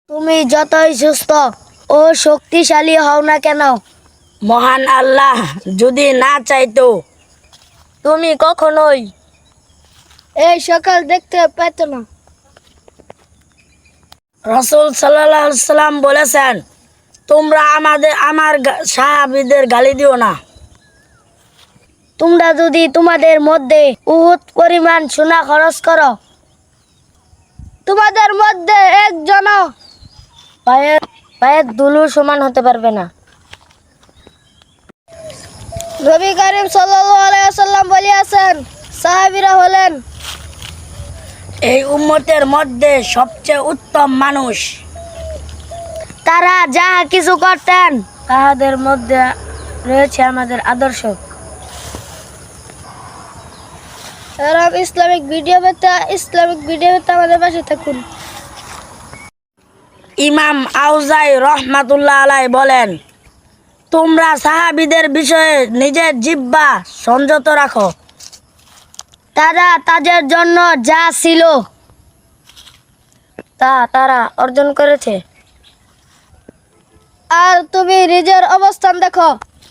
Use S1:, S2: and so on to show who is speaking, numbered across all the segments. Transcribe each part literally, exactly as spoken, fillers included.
S1: তুমি যতই সুস্থ ও শক্তিশালী হও না কেন,
S2: মহান আল্লাহ যদি না চাইতো
S1: তুমি কখনোই এই সকাল দেখতে পেত না।
S2: রাসূল সাল্লাল্লাহু আলাইহি সাল্লাম বলেছেন, তোমরা আমাদের আমার গা- সাহাবীদের গালি দিও না।
S1: তোমরা যদি তোমাদের মধ্যে উহুদ পরিমাণ সোনা খরচ করো, তোমাদের মধ্যে একজন পায়ের পায়ের ধুলো সমান হতে পারবে না। নবী করিম সাল্লাল্লাহু আলাইহি ওয়াসাল্লাম বলিয়াছেন, সাহাবীরা হলেন
S2: এই উম্মতের মধ্যে সবচেয়ে উত্তম মানুষ।
S1: তারা যাহা কিছু করতেন তাহাদের মধ্যে রয়েছে আমাদের আদর্শ। এরকম ইসলামিক ভিডিও পেতে ইসলামিক ভিডিও পেতে আমাদের পাশে থাকুন।
S2: ইমাম আউজাই রহমাতুল্লাহ আলাই বলেন, তোমরা সাহাবীদের বিষয়ে নিজের জিহ্বা সংযত রাখো।
S1: তারা তাদের জন্য যা ছিল তা তারা অর্জন করেছে, আর তুমি নিজের অবস্থান দেখো।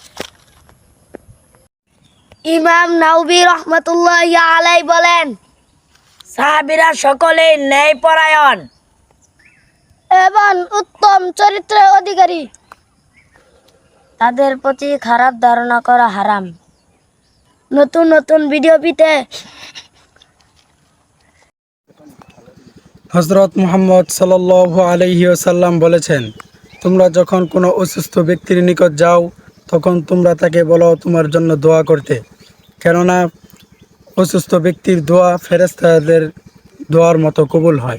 S1: ইমাম নাওবী রহমাতুল্লাহি আলাই বলেন,
S2: সাহাবীরা সকলেই ন্যায়পরায়ণ
S1: এবং উত্তম চরিত্রের অধিকারী। তাদের প্রতি খারাপ ধারণা করা হারাম। নতুন নতুন ভিডিও পেতে
S3: হজরত মুহাম্মদ সাল্লাল্লাহু আলাইহি ওয়াসাল্লাম বলেছেন, তোমরা যখন কোনো অসুস্থ ব্যক্তির নিকট যাও তখন তোমরা তাকে বলো তোমার জন্য দোয়া করতে, কেননা অসুস্থ ব্যক্তির দোয়া ফেরেশতাদের দোয়ার মতো কবুল হয়।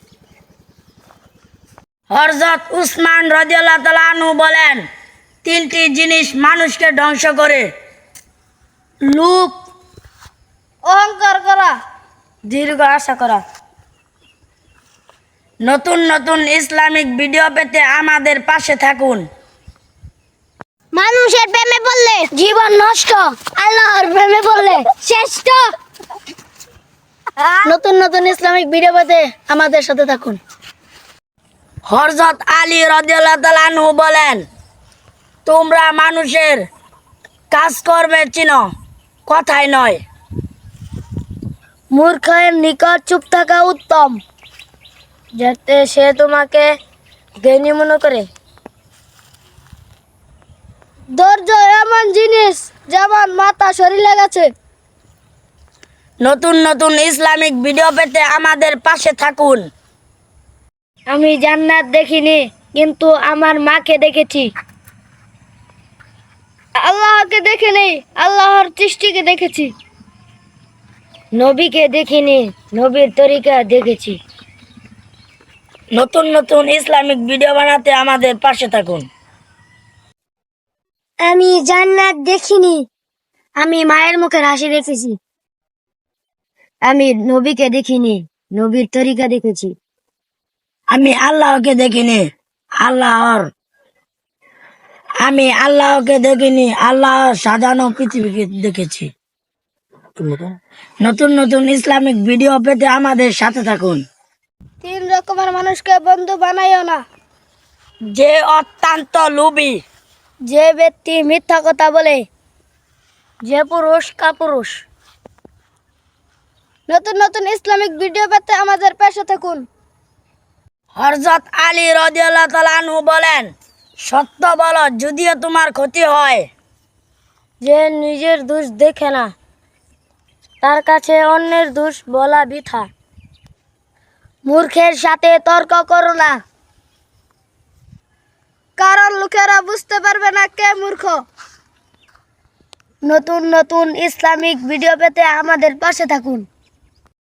S2: হযরত উসমান রাদিয়াল্লাহু তাআলা আনহু বলেন, তিনটি জিনিস মানুষকে ধ্বংস করে: লোভ,
S1: অহংকার করা,
S2: দীর্ঘ আশা করা। নতুন নতুন ইসলামিক ভিডিও পেতে আমাদের পাশে থাকুন।
S1: মানুষের প্রেমে পড়লে জীবন নষ্ট, আল্লাহর প্রেমে পড়লে শ্রেষ্ঠ। নতুন নতুন ইসলামিক ভিডিও পেতে আমাদের সাথে থাকুন।
S2: হযরত আলী রাদিয়াল্লাহু তাআলা আনহু বলেন, তোমরা মানুষের কাজকর্মে চিনো, কথাই নয়।
S1: মূর্খের নিকট চুপ থাকা উত্তম, যাতে সে তোমাকে জ্ঞানী মনে করে। ধৈর্য এমন জিনিস যেমন মাথা শরীরে গেছে।
S2: নতুন নতুন ইসলামিক ভিডিও পেতে আমাদের পাশে থাকুন।
S1: আমি জান্নাত দেখিনি, কিন্তু আমার মাকে দেখেছি। আল্লাহকে দেখিনি, আল্লাহর সৃষ্টিকে দেখেছি। নবীকে দেখিনি, নবীর তরিকা দেখেছি।
S2: নতুন নতুন ইসলামিক ভিডিও বানাতে আমাদের পাশে থাকুন।
S1: আমি জান্নাত দেখিনি, আমি মায়ের মুখের হাসি দেখেছি। আমি নবীকে দেখিনি, নবীর তরিকা দেখেছি।
S2: আমি আল্লাহকে দেখিনি, আল্লাহর আমি আল্লাহকে দেখিনি, আল্লাহর সাজানো পৃথিবীকে দেখেছি। নতুন নতুন ইসলামিক ভিডিও পেতে আমাদের সাথে থাকুন।
S1: তিন রকমের মানুষকে বন্ধু বানাইও না:
S2: যে অত্যন্ত লোভী,
S1: যে ব্যক্তি মিথ্যা কথা বলে, যে পুরুষ কাপুরুষ। নতুন নতুন ইসলামিক ভিডিও পেতে আমাদের পাশে থাকুন।
S2: হযরত আলী রাদিয়াল্লাহু তাআলা আনহু বলেন, সত্য বলো যদিও তোমার ক্ষতি হয়।
S1: যে নিজের দোষ দেখে না, তার কাছে অন্যের দোষ বলা বৃথা। মূর্খের সাথে তর্ক করো না, কারণ লোকেরা বুঝতে পারবে না কে মূর্খ। নতুন নতুন ইসলামিক ভিডিও পেতে আমাদের পাশে থাকুন।